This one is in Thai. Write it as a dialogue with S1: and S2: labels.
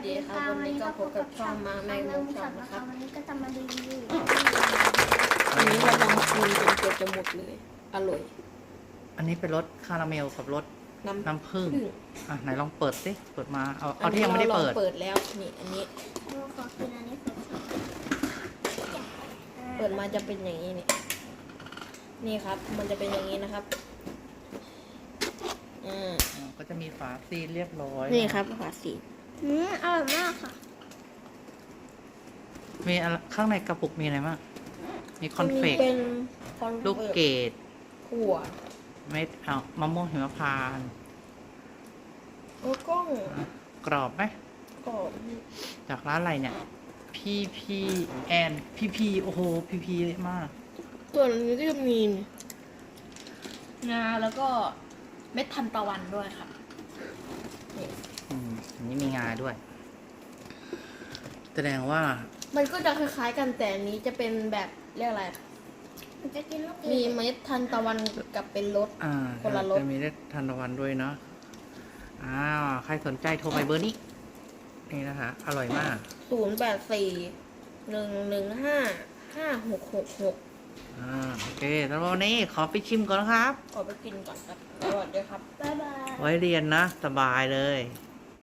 S1: ดีครับวันนี้ก็พบกับช่องมาแมงมุมช็อตนะครับ
S2: วันนี้ก็จะมารีวิว
S1: อันนี้เราลองกินจนเกือบจะหมดเลยอร่อย
S3: อันนี้เป็นรสคาราเมลกับรสน้ำผึ้งอ่ะไหนลองเปิดสิเปิดมาเอาที่ยังไม่ได้เปิด
S1: เปิดแล้วนี่อันนี้
S2: ขอกินอันนี้ก่อน
S1: เปิดมาจะเป็นอย่างนี้นี่ครับ มันจะเป็นอย่างนี้นะครับ
S3: ก็จะมีฝาซีลเรียบร้อย
S1: นี่ครับฝาสี
S2: อร่อยมากค่ะ
S3: มีอะไรข้างในกระปุกมีอะไรบ้างมีคอนเฟก
S1: เป็นคอน
S3: ลูกเกด
S1: ถั่ว
S3: เม็ดมะม่วงหิมพานต์
S1: แล้วก็
S3: กรอบไหม
S1: กรอบ
S3: จากร้านอะไรเนี่ยพี่แอนพี่โอ้โหพี่เยอะมาก
S1: ส่วนนี้ก็จะมีงาแล้วก็เม็ดทันตะวันด้วยครับนี่
S3: อันนี้มีงาด้วย แสดงว่า
S1: มันก็จะคล้ายๆกันแต่อันนี้จะเป็นแบบเรียกอะไร
S2: มันจะกินลูก
S1: มีเม็ดทันตะวันกับเป็นรส คนละรส
S3: จะมีได้ทันตะวันด้วยเนาะใครสนใจโทรไปเบอร์นี้ นี่นะคะ อร่อยมาก
S1: 084-115-5666
S3: โอเคแล้ววันนี้ขอไปชิมก่อนนะครับ
S1: ขอไปกินก่อนครับสวัสดีครับ
S2: บ๊ายบาย
S3: ไว้เรียนนะ สบายเลย
S2: บ